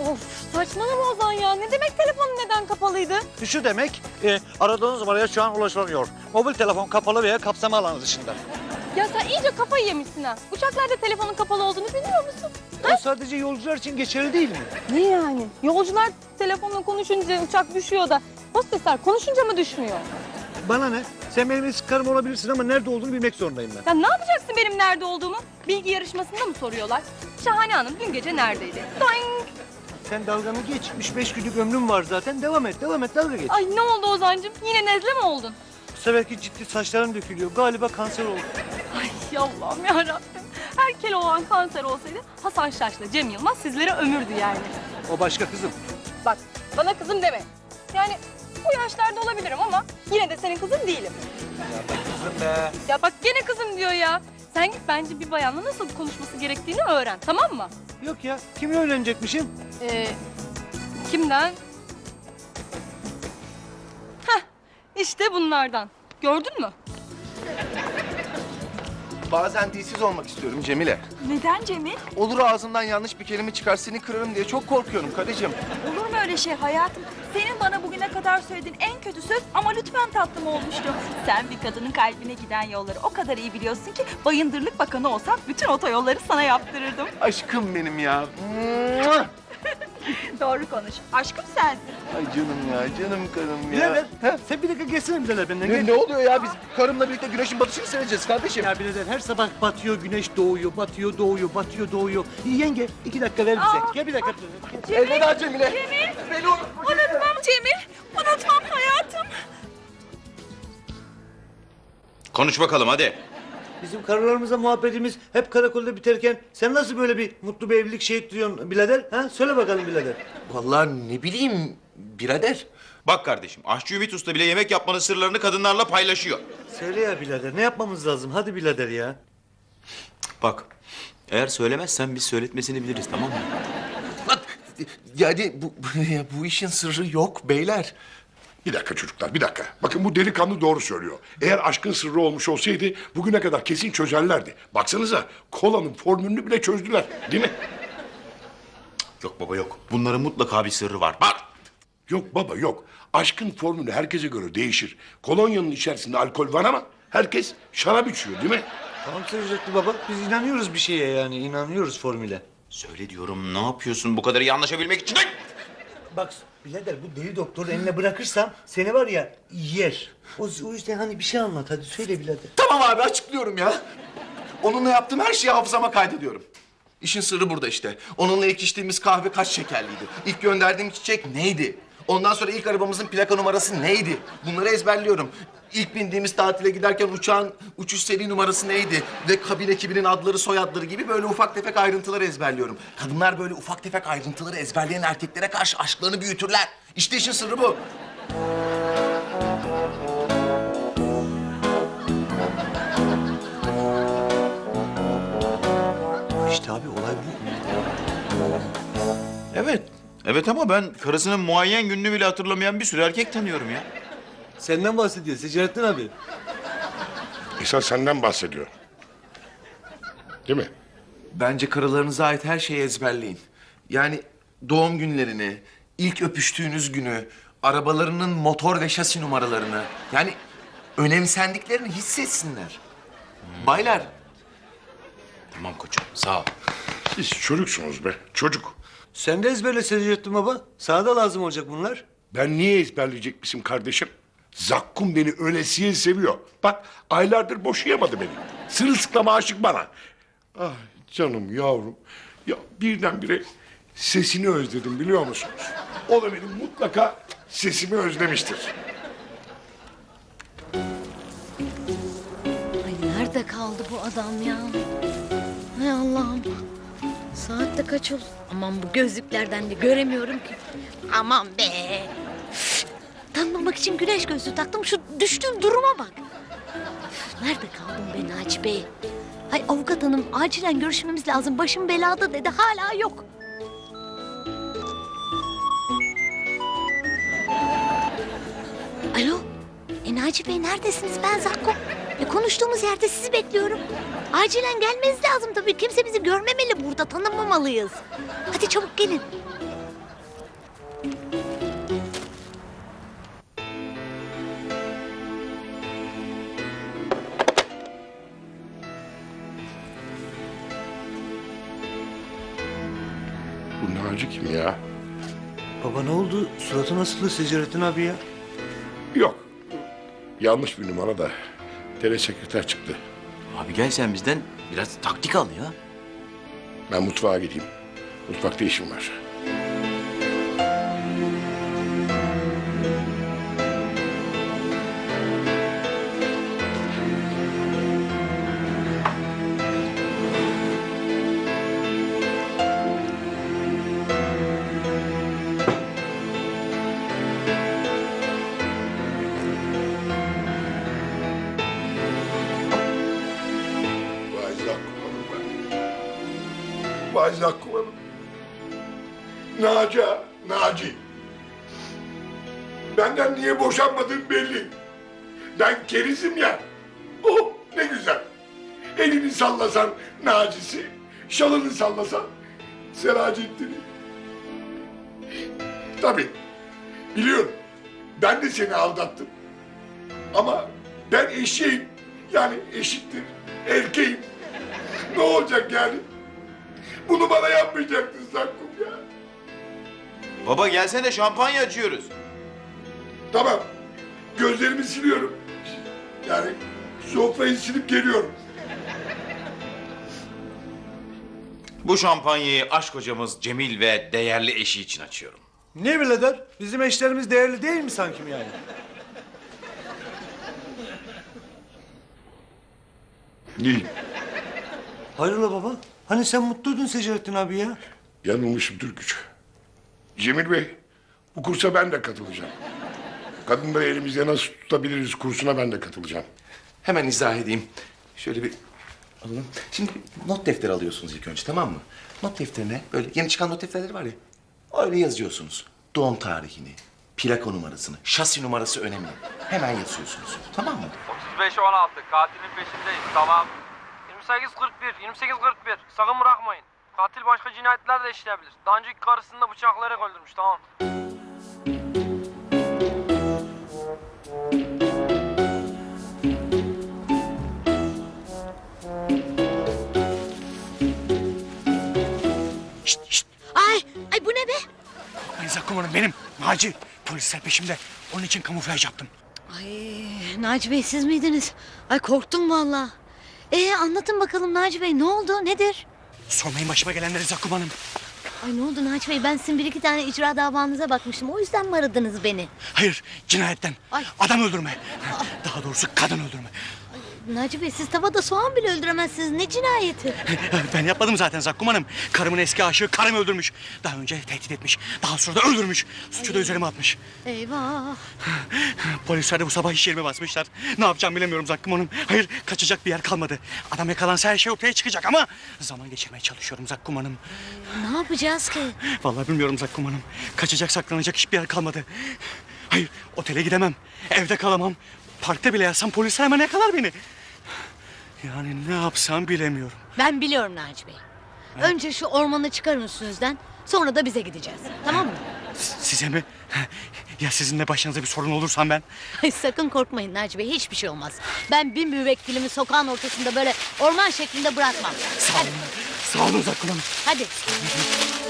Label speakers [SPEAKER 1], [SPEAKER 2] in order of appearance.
[SPEAKER 1] Of saçmalama Ozan ya. Ne demek telefonun neden kapalıydı?
[SPEAKER 2] Şu demek, aradığınız numaraya şu an ulaşılamıyor. Mobil telefon kapalı veya kapsama alanı dışında.
[SPEAKER 1] Ya sen iyice kafayı yemişsin ha. Uçaklarda telefonun kapalı olduğunu biliyor musun?
[SPEAKER 2] O sadece yolcular için geçerli değil mi?
[SPEAKER 1] Ne yani? Yolcular telefonla konuşunca uçak düşüyor da hostesler konuşunca mı düşmüyor?
[SPEAKER 2] Bana ne? Sen benim eski karım olabilirsin ama nerede olduğunu bilmek zorundayım ben.
[SPEAKER 1] Sen ne yapacaksın benim nerede olduğumu? Bilgi yarışmasında mı soruyorlar? Şahane Hanım dün gece neredeydi? Doing!
[SPEAKER 2] Sen dalganı geç. 3-5 günlük ömrüm var zaten. Devam et, dalga geç.
[SPEAKER 1] Ay ne oldu Ozan'cığım? Yine nezle mi oldun?
[SPEAKER 2] Bu seferki ciddi saçlarım dökülüyor. Galiba kanser oldu.
[SPEAKER 1] Ay Allah'ım yarabbim. Her Keloğlan kanser olsaydı Hasan Şaş'la Cem Yılmaz sizlere ömürdü yani.
[SPEAKER 2] O başka kızım.
[SPEAKER 1] Bak bana kızım deme. Yani bu yaşlarda olabilirim ama yine de senin kızın değilim.
[SPEAKER 2] Ya bak kızım be.
[SPEAKER 1] Ya bak gene kızım diyor ya. Sen git bence bir bayanla nasıl konuşması gerektiğini öğren, tamam mı?
[SPEAKER 2] Yok ya, kimi öğrenecekmişim?
[SPEAKER 1] Kimden? Heh, işte bunlardan. Gördün mü?
[SPEAKER 3] Bazen dilsiz olmak istiyorum Cemile.
[SPEAKER 4] Neden Cemil?
[SPEAKER 3] Olur ağzından yanlış bir kelime çıkar seni kırarım diye çok korkuyorum karıcığım.
[SPEAKER 4] Olur mu öyle şey hayatım? Senin bana bugüne kadar söylediğin en kötü söz ama lütfen tatlım olmuştu. Sen bir kadının kalbine giden yolları o kadar iyi biliyorsun ki Bayındırlık Bakanı olsam bütün otoyolları sana yaptırırdım.
[SPEAKER 3] Aşkım benim ya.
[SPEAKER 4] Doğru konuş. Aşkım sensin.
[SPEAKER 3] Ay canım ya, canım karım ya.
[SPEAKER 2] Birader,
[SPEAKER 3] He?
[SPEAKER 2] sen bir dakika gelsene birader benden.
[SPEAKER 3] Ne,
[SPEAKER 2] Gel.
[SPEAKER 3] ne oluyor ya? Biz karımla birlikte güneşin batışını seyredeceğiz kardeşim.
[SPEAKER 2] Ya birader her sabah batıyor, güneş doğuyor, batıyor, doğuyor, batıyor, doğuyor. Yenge 2 dakika ver bize. Gel bir dakika. Gel.
[SPEAKER 3] Elveda Cemile.
[SPEAKER 4] Cemil.
[SPEAKER 3] Beni unutma.
[SPEAKER 4] Unutmam Cemil. Unutmam hayatım.
[SPEAKER 5] Konuş bakalım hadi.
[SPEAKER 2] Bizim karılarımızla muhabbetimiz hep karakolda biterken sen nasıl böyle bir mutlu bir evlilik ettiriyorsun birader? Ha? Söyle bakalım birader.
[SPEAKER 3] Vallahi ne bileyim birader.
[SPEAKER 5] Bak kardeşim, aşçı Ümit Usta bile yemek yapmanın sırlarını kadınlarla paylaşıyor.
[SPEAKER 2] Söyle ya birader, ne yapmamız lazım? Hadi birader ya.
[SPEAKER 5] Bak, eğer söylemezsen biz söyletmesini biliriz, tamam mı?
[SPEAKER 3] Yani bu işin sırrı yok beyler.
[SPEAKER 6] Bir dakika çocuklar, bir dakika. Bakın bu delikanlı doğru söylüyor. Eğer aşkın sırrı olmuş olsaydı bugüne kadar kesin çözerlerdi. Baksanıza kolanın formülünü bile çözdüler, değil mi?
[SPEAKER 5] Yok baba yok. Bunların mutlaka bir sırrı var. Bak!
[SPEAKER 6] Yok baba yok. Aşkın formülü herkese göre değişir. Kolonyanın içerisinde alkol var ama herkes şarap içiyor, değil mi?
[SPEAKER 2] Tamam Sözcüklü baba, biz inanıyoruz bir şeye yani, inanıyoruz formüle.
[SPEAKER 5] Söyle diyorum, ne yapıyorsun bu kadar iyi anlaşabilmek için?
[SPEAKER 2] Bak birader bu deli doktoru eline bırakırsam seni var ya yer. O yüzden hani bir şey anlat hadi söyle birader.
[SPEAKER 3] Tamam abi açıklıyorum ya. Onunla yaptığım her şeyi hafızama kaydediyorum. İşin sırrı burada işte. Onunla ilk içtiğimiz kahve kaç şekerliydi? İlk gönderdiğim çiçek neydi? Ondan sonra ilk arabamızın plaka numarası neydi? Bunları ezberliyorum. İlk bindiğimiz tatile giderken uçağın uçuş seri numarası neydi? Ve kabin ekibinin adları, soyadları gibi böyle ufak tefek ayrıntıları ezberliyorum. Kadınlar böyle ufak tefek ayrıntıları ezberleyen erkeklere karşı aşklarını büyütürler. İşte işin sırrı bu.
[SPEAKER 2] İşte abi olay bu.
[SPEAKER 5] Evet. Evet ama ben karısının muayyen gününü bile hatırlamayan bir sürü erkek tanıyorum ya.
[SPEAKER 2] Senden bahsediyor Secerettin abi.
[SPEAKER 6] İsa senden bahsediyor. Değil mi?
[SPEAKER 3] Bence karılarınıza ait her şeyi ezberleyin. Yani doğum günlerini, ilk öpüştüğünüz günü, arabalarının motor ve şasi numaralarını. Yani önemsendiklerini hissetsinler. Baylar.
[SPEAKER 5] Tamam koçum, sağ ol.
[SPEAKER 6] Siz çocuksunuz be, çocuk.
[SPEAKER 2] Sen de ezberle Secerettin baba. Sana da lazım olacak bunlar.
[SPEAKER 6] Ben niye ezberleyecekmişim kardeşim? Zakkum beni ölesiye seviyor. Bak aylardır boşayamadı beni. Sırılsıklam aşık bana. Ah canım yavrum. Ya birdenbire sesini özledim biliyor musunuz? O da benim mutlaka sesimi özlemiştir.
[SPEAKER 7] Ay nerede kaldı bu adam ya? Hay Allah'ım. Saat de kaç oldu? Aman bu gözlüklerden de göremiyorum ki. Aman be. Tanımamak için güneş gözlüğü taktım. Şu düştüğüm duruma bak. Nerede kaldın be Naci Bey? Hay avukat hanım acilen görüşmemiz lazım. Başım belada dedi. Hala yok. Alo. Naci Bey neredesiniz? Ben Zakko. Konuştuğumuz yerde sizi bekliyorum. Acilen gelmeniz lazım tabii. Kimse bizi görmemeli burada. Tanımamalıyız. Hadi çabuk gelin.
[SPEAKER 6] Bu Naci kim ya?
[SPEAKER 2] Baba ne oldu? Suratı nasıldı Secerettin abi ya?
[SPEAKER 6] Yok. Yanlış bir numara da. Telesekreter çıktı.
[SPEAKER 5] Abi gel sen bizden biraz taktik al ya.
[SPEAKER 6] Ben mutfağa gideyim. Mutfakta işim var. Vay Zakkum Hanım ben. Vay Zakkum Hanım. Naci. Benden niye boşanmadığın belli. Ben kerizim ya. Oh ne güzel. Elini sallasan Naci'si, şalını sallasan Seracettin'i. Tabii, biliyorum. Ben de seni aldattım. Ama ben eşeğim. Yani eşittir. Erkeğim. Ne olacak yani? Bunu bana yapmayacaktın Zakkum ya.
[SPEAKER 5] Baba gelsene şampanya açıyoruz.
[SPEAKER 6] Tamam. Gözlerimi siliyorum. Yani sofrayı silip geliyorum.
[SPEAKER 5] Bu şampanyayı aşk hocamız Cemil ve değerli eşi için açıyorum.
[SPEAKER 2] Ne birader? Bizim eşlerimiz değerli değil mi sanki yani?
[SPEAKER 6] Değil.
[SPEAKER 2] Hayrola baba? Hani sen mutluydun Secerettin abi ya?
[SPEAKER 6] Yanılmışım Türküç. Cemil Bey, bu kursa ben de katılacağım. Kadınları elimizde nasıl tutabiliriz kursuna ben de katılacağım.
[SPEAKER 3] Hemen izah edeyim. Şöyle bir alalım. Şimdi not defteri alıyorsunuz ilk önce, tamam mı? Not defterine böyle yeni çıkan not defterleri var ya. Öyle yazıyorsunuz. Doğum tarihini, plaka numarasını, şasi numarası önemli. Hemen yazıyorsunuz. Tamam mı?
[SPEAKER 8] 35-16 katilin peşindeyiz, tamam. 28-41 sakın bırakmayın. Katil başka cinayetler de işleyebilir. Daha önceki karısını da bıçaklayarak öldürmüş, tamam.
[SPEAKER 7] Ay bu ne be?
[SPEAKER 9] Korkmayın Zakkum Hanım, benim Naci. Polisler peşimde. Onun için kamuflaj yaptım.
[SPEAKER 7] Ay Naci Bey siz miydiniz? Ay korktum valla. Anlatın bakalım Naci Bey ne oldu nedir?
[SPEAKER 9] Sormayın başıma gelenleri Zakkum Hanım.
[SPEAKER 7] Ay ne oldu Naci Bey ben sizin bir iki tane icra davanıza bakmıştım. O yüzden mi aradınız beni?
[SPEAKER 9] Hayır, cinayetten.
[SPEAKER 7] Ay.
[SPEAKER 9] Adam öldürme. Daha doğrusu kadın öldürme.
[SPEAKER 7] Naci Bey siz tavada soğan bile öldüremezsiniz. Ne cinayeti?
[SPEAKER 9] Ben yapmadım zaten Zakkum Hanım. Karımın eski aşığı karımı öldürmüş. Daha önce tehdit etmiş. Daha sonra da öldürmüş. Suçu da üzerime atmış.
[SPEAKER 7] Eyvah.
[SPEAKER 9] Polisler de bu sabah iş yerime basmışlar. Ne yapacağım bilemiyorum Zakkum Hanım. Hayır, kaçacak bir yer kalmadı. Adam yakalansa her şey ortaya çıkacak ama... zaman geçirmeye çalışıyorum Zakkum Hanım.
[SPEAKER 7] Ne yapacağız ki?
[SPEAKER 9] Vallahi bilmiyorum Zakkum Hanım. Kaçacak, saklanacak hiçbir yer kalmadı. Hayır, otele gidemem. Evde kalamam. Parkta bile yatsam polisler hemen yakalar beni. Yani ne yapsam bilemiyorum.
[SPEAKER 7] Ben biliyorum Naci Bey. Önce şu ormanı çıkarın üstünüzden. Sonra da bize gideceğiz. Tamam mı?
[SPEAKER 9] Size mi? Ya sizinle başınıza bir sorun olursam ben?
[SPEAKER 7] Ay, sakın korkmayın Naci Bey. Hiçbir şey olmaz. Ben bir müvekkilimi sokağın ortasında böyle orman şeklinde bırakmam.
[SPEAKER 9] Sağ olun. Sağ olun Zakkum Hanım.
[SPEAKER 7] Hadi.